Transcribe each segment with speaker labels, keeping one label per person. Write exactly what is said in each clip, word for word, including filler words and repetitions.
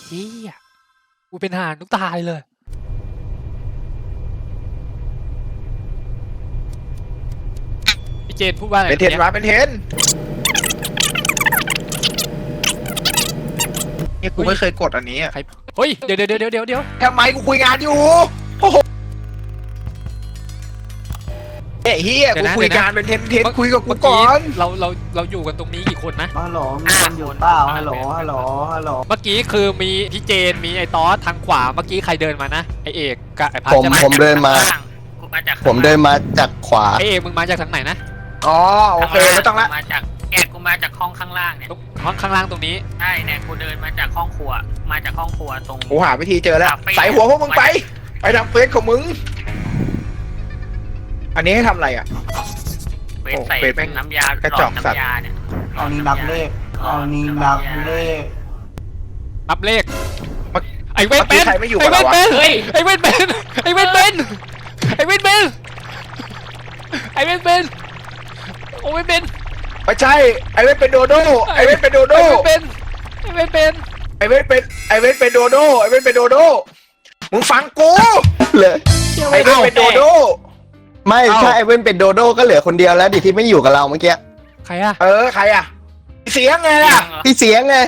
Speaker 1: เฮียกูเป็นทหารทุกตายเลยพี่เจนพูดว่าอะไร
Speaker 2: เป็นเทนวะเป็นเทนเนี่ยกูไม่เคยกดอันนี้อ่ะ
Speaker 1: ใครเฮ้ยเดี๋ยวเดี๋ยวเดี๋ยวเดี๋ยวเดี๋ยว
Speaker 2: ทำไมกูคุยงานอยู่โอ้โหเฮ้ยเฮียกูคุยงานเป็นเทนเทนคุยกับกูก่อน
Speaker 1: เราเราเราอยู่กันตรงนี้กี่คนนะ
Speaker 3: ฮัลโหลมีคนอยู่เปล่าฮัลโหลฮัลโหลฮัลโหล
Speaker 1: เมื่อกี้คือมีพี่เจนมีไอ้ตอสทางขวาเมื่อกี้ใครเดินมานะไอเอกกับไอพัด
Speaker 4: ผม
Speaker 1: ใช่ไหม
Speaker 4: ผมเดินมา
Speaker 5: กูมาจาก
Speaker 4: ผมเดินมาจากขวา
Speaker 1: ไอเอกมึงมาจากทางไหนนะ
Speaker 2: อ๋อโอเคไม่ต้องละ
Speaker 5: มาจากแกกูมาจากห้องข้างล่างเนี่ย
Speaker 1: ตรงห้องข้างล่างตรงนี้
Speaker 5: ใช่เนี่ยกูเดินมาจากห้องครัวมาจากห้องครัวตรง
Speaker 2: กูหาวิธีเจอแล้วใส่หัวพวกมึงไปไปทำเฟซของมึงอันนี้ให้ทำอะไรอ่ะ
Speaker 5: เฟซใส่
Speaker 2: โอ้เฟซแม่ง
Speaker 5: น้ำยาก
Speaker 2: ระจอกสัตว์
Speaker 5: น้ำยาเนี่ย
Speaker 3: เอานี้นับเลขเอานี้นับเลข
Speaker 1: นับเลข
Speaker 2: เมื่อ
Speaker 1: ไอเว้นเป็น
Speaker 2: เมื่อกี้ใครไม่อยู่
Speaker 1: ไอ
Speaker 2: กับ
Speaker 1: เว้น
Speaker 2: เราวะ
Speaker 1: เป็นไอเว้นเป็นไอเว้นเป็นไอเว้นเป็นไอเว้นเป็นโอ้เว้นเป็น
Speaker 2: ไม่ใช่ไอเวทเป็นโดโดไอเวทเป็นโดโด
Speaker 1: ไอเว้นเป็นไอเว้นเป็น
Speaker 2: ไอเวทเป็นไอเวทเป็นโดโดไอเวทเป็นโดโดมึงฟังกู
Speaker 4: เลย
Speaker 2: ไอเวทเป็นโดโด
Speaker 4: ไม่
Speaker 2: เอ้า
Speaker 4: ถ้าไอเว่นเป็นโดโด้ก็เหลือคนเดียวแล้วดิที่ไม่อยู่กับเราเมื่อกี้
Speaker 1: ใครอะ
Speaker 2: เออใครอ่ะเสียงไงล่ะ
Speaker 4: พี่เสียงไง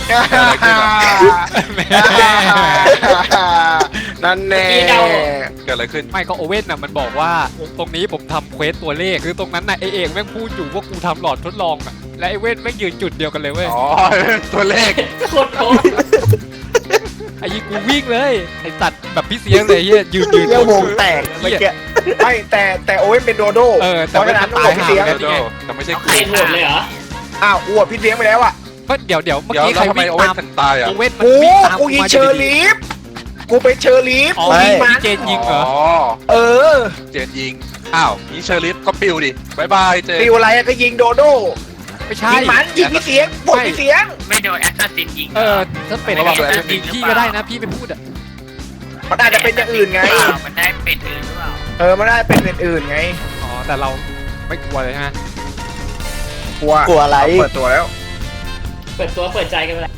Speaker 2: นั่นแน่
Speaker 6: เกิดอะไรขึ้น
Speaker 1: ไม่ก็โอเว่นน่ะมันบอกว่าตรงนี้ผมทำเควสตัวเลขคือตรงนั้นน่ะไอเอกแม่งพูดอยู่ว่ากูทำหลอดทดลองอ่ะและไอเว่นแม่งยืนจุดเดียวกันเลยเว้ย
Speaker 6: อ๋อ ตัวเลข
Speaker 5: โคตรโคตร
Speaker 1: ไอ้ยี่กูวิ่งเลยไอ้สัตว์แบบพี่เสียงเลยเฮียยืนยืน
Speaker 4: เรียกวงแตกเมื่อกี้
Speaker 2: ไม่แต่แต่โอเว่นเป็นโดโด
Speaker 1: เออ
Speaker 2: เพ
Speaker 1: แต่
Speaker 2: ราะ
Speaker 1: ไม่
Speaker 2: ฉะนั้น
Speaker 1: ตา
Speaker 2: ตาย ย
Speaker 1: ห่า
Speaker 2: พี่เสียง
Speaker 1: กันนี่ไง
Speaker 6: แต่ไม่ใช่
Speaker 5: ใครโหวตเลยเหรอ
Speaker 2: อ้าวอวดพี่เลี้ยงไปแล้วอ่ะ
Speaker 1: ก็เดี๋ยวเดี๋ยวเมื่อ
Speaker 6: เดี๋ยว
Speaker 1: กี้
Speaker 6: แล้
Speaker 1: ใคร
Speaker 6: วทำไม
Speaker 1: วิ่ง
Speaker 6: โอเว่
Speaker 1: ตาน ม
Speaker 6: ถึงตายอ่ะ
Speaker 1: โอเว่นมัน
Speaker 2: กู
Speaker 1: วิ่งตาม
Speaker 2: กูยิง
Speaker 1: มา
Speaker 2: เชอร์ลีฟกูเป็นเชอร์ลีฟ
Speaker 1: อ๋อ
Speaker 2: กูยิง
Speaker 1: พี่
Speaker 2: มัน
Speaker 1: เจนยิงเหรอ
Speaker 6: อ๋อ
Speaker 2: เออ
Speaker 6: เจนยิง อ้าวนี่เชอร์ลิฟก็ปิวดิบายบายเจน
Speaker 2: ฟิวอะไรอะก็ยิงโดโด
Speaker 1: ไม่ใช่
Speaker 2: ยิงมันยิงพี่เสียงบวกพี่เสียง
Speaker 5: ไม่โดนแอสซัสซินยิง
Speaker 1: เออถ้าเป็น
Speaker 5: ระวัง
Speaker 1: แอ
Speaker 5: เลย
Speaker 1: สยิงพี่ก็ได้นะพี่ไปพูดอ่ะ
Speaker 2: มันอาจจะเป็นอย่างอื่นไง
Speaker 5: มันได้เป็ดอื่นหรือเปล่า
Speaker 2: เออมันได้เป็นอย่างอื่นไง
Speaker 1: อ๋อแต่เราไม่กลัวเลยใช่ไหม
Speaker 2: กลัว
Speaker 4: กลัวอะไร
Speaker 2: เปิดตัวแล้ว
Speaker 5: เปิดตัวเปิดใจกันไปแล้ว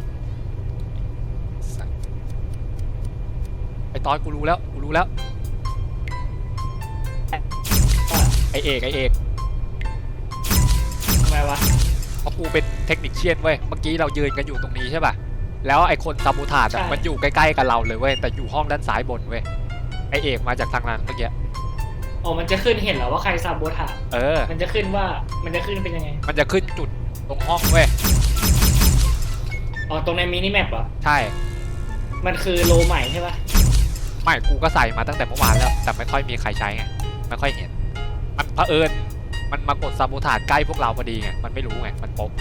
Speaker 1: ไอ้ตอนกูรู้แล้วกูรู้แล้วไอเอกไอเอก
Speaker 5: ทำไมวะ
Speaker 1: เพราะกูเป็นเทคนิคเชียนเว้ยเมื่อกี้เรายืนกันอยู่ตรงนี้ใช่ป่ะแล้วไอคนซาบูทาดอะมันอยู่ใกล้ๆกับเราเลยเว้ยแต่อยู่ห้องด้านซ้ายบนเว้ยไอเอกมาจากทางนั้นเมื่อกี้
Speaker 7: อ๋อ มันจะขึ้นเห็นเหรอว่าใครซาโบถา
Speaker 1: เออ
Speaker 7: มันจะขึ้นว่า มันจะขึ้นเป็นยังไง
Speaker 1: มันจะขึ้นจุดตรงห้องเว้ย
Speaker 7: อ๋อ ตรงในมินิแมปเหรอ
Speaker 1: ใช่
Speaker 7: มันคือโลใหม่ใช่ปะ
Speaker 1: ไม่กูก็ใส่มาตั้งแต่เมื่อวานแล้วแต่ไม่ค่อยมีใครใช้ไงไม่ค่อยเห็นมันเผอิญมันมากดซาบูทาดใกล้พวกเราพอดีไงมันไม่รู้ไงมันโป๊ะ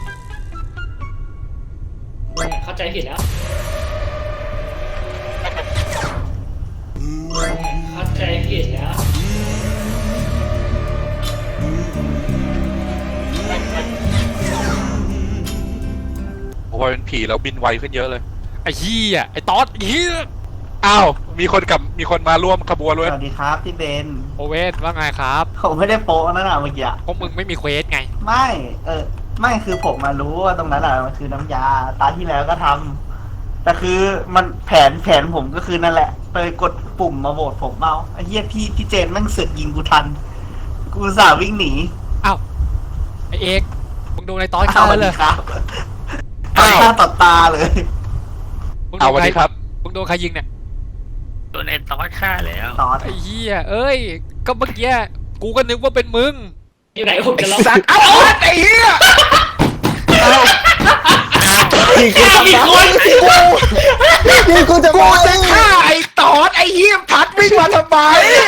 Speaker 7: เข้าใจผิดแล้ว เข้าใจผิดแล้ว
Speaker 6: โอ้ยเป็นผีแล้วบินไวขึ้นเยอะเลย
Speaker 1: ไอ้เหี้ยไอ้ตอสไอ้เหี้ย
Speaker 6: อ้าว มีคนกับมีคนมาร่วมขบวน
Speaker 3: ส
Speaker 6: ด้วย
Speaker 3: วัสดีครับพี่เบน
Speaker 1: โอเว่นว่าไงครับ
Speaker 3: ผมไม่ได้โป๊ะนั่นน่ะเมื่อกี้
Speaker 1: พวกมึงไม่มีเควสไง
Speaker 3: ไม่เออไม่คือผมมารู้ว่าตรงนั้นอ่ะมันคือน้ำยาตาที่แล้วก็ทำแต่คือมันแผนแผนผมก็คือนั่นแหละไปกดปุ่มมาโหวตผมเอาไอ้เหี้ยพี่พี่เจนแม่งเสือกยิงกูทัน กูอุตสาห์วิ่งหนี
Speaker 1: อ้าวไอเอกมึงโดนไอ้ตอสเข้า
Speaker 3: สวัส
Speaker 1: เล
Speaker 3: ดี
Speaker 1: ย
Speaker 3: ครับ
Speaker 6: อ้าว
Speaker 3: ต่อหน้าต่อตาเลย
Speaker 1: มึง
Speaker 6: เอา
Speaker 1: โดน
Speaker 6: วัน
Speaker 1: ใคร
Speaker 6: นี้ครับ
Speaker 1: มึงโดนใครยิงเนี่ย
Speaker 5: โดนไอ้ตอสฆ่าแล้ว
Speaker 3: ตอน
Speaker 1: ไอ้เหี้ยเอ้ยก็เมื่อกี้กูก็นึกว่าเป็นมึง
Speaker 7: อยู่ไหนผมจะเล่า
Speaker 2: สัตว์เอาไอ้เหี้ย
Speaker 4: นี่กูจะ
Speaker 7: มีคน
Speaker 4: นี่กูจะ
Speaker 2: กู
Speaker 4: มา
Speaker 2: จะฆ่าไอ้ตอดไอ้เหี้ยพัดวิ่งมาทำไม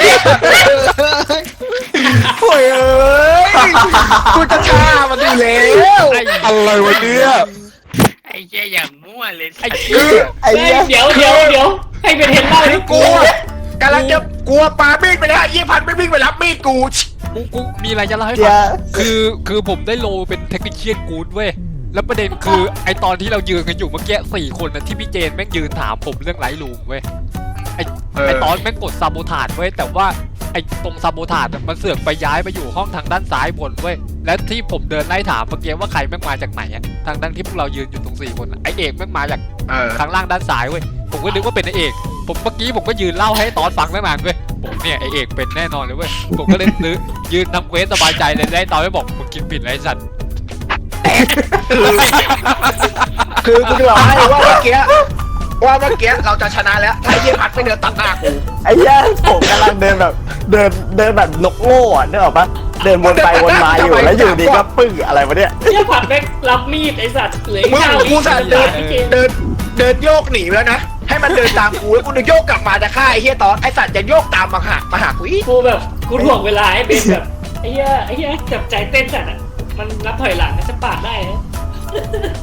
Speaker 2: โอ้ยเอ้ยกูจะฆ่ามันอยู่แล้ว
Speaker 1: ไอ้
Speaker 6: อะไรวะเนี่ย
Speaker 5: ไอ้เหี้ยอย่างมั่วเลย
Speaker 1: ไอ้เหี้ย
Speaker 4: ไอ้เหี้ย
Speaker 7: เดี๋ยวเดี๋ยวเดี๋ยวให้เป็นเห็นเล่าดิ
Speaker 2: กูกำลังจะกลัวปามีดไปแล้วไอ้เหี้ยพัดไม่วิ่งไปรับมีดกู
Speaker 1: กูกูมีอะไรจะเล่าให้
Speaker 4: เดี๋
Speaker 1: ฟั
Speaker 4: ย
Speaker 1: ง
Speaker 4: ว
Speaker 1: คือคือผมได้โลเป็นเทคนิคเชียนกูดเว้ยแล้วประเด็นคือไอตอนที่เรายืนกันอยู่เมื่อกี้สี่คนนะที่พี่เจนแม่งยืนถามผมเรื่องไลท์รูมเว้ยไอไอตอนแม่งกดซาโบทาดเว้ยแต่ว่าไอตรงซาโบทาดมันเสือกไปย้ายไปอยู่ห้องทางด้านซ้ายบนเว้ยและที่ผมเดินไล่ถามเมื่อกี้ว่าใครแม่งมาจากไหนอะทางทั้งที่พวกเรายืนอยู่ตรงสี่คนอะไอเอกแม่งมาจาก
Speaker 2: เออ
Speaker 1: ทางล่างด้านซ้ายเว้ยผมก็นึกว่าเป็นไอเอกผมเมื่อกี้ผมก็ยืนเล่าให้ตอนฟังไม่นานเว้ยผมเนี่ยไอเอกเป็นแน่นอนเลยเว้ยผมก็เลยซื้อยืนทำเควสสบายใจเลยได้ตอนไม่บอกมึงกินผิดไรสัตว์
Speaker 2: คือกูจะบอกให้ว่าเมื่อกี้ว่าเมื่อกี้เราจะชนะแล้วถ้าไอ้เหี้ยพัดไม่เดินตัดหน้ากู
Speaker 4: ไอ้เหี้ยผมกำลังเดินแบบเดินเดินแบบนกโง่อะนึกออกปะเดินวนไปวนมาอยู่แล้วอยู่ดีก็ปึ้งอะไรวะเนี่ย
Speaker 7: เฮียผัดแม่งรับมีดไอ้สัตว์เหลือ
Speaker 2: มึง
Speaker 7: เก้า
Speaker 2: กูสั่นเดิน
Speaker 7: พี่เจน
Speaker 2: เดินเดินโยกหนีไปแล้วนะให้มันเดินตามกูแล้วกูจะโยกกลับมาจะฆ่าไอ้เหี้ยตอนไอ้สัตว์จะโยกตามมาหามาหากูอีก
Speaker 7: กูแบบกูถ่วงเวลาให้เบนแบบไอ้เหี้ยไอ้เหี้ยจับใจเต้นจัดอ่ะมันนับถอยหลังนะจะปาดได้นะ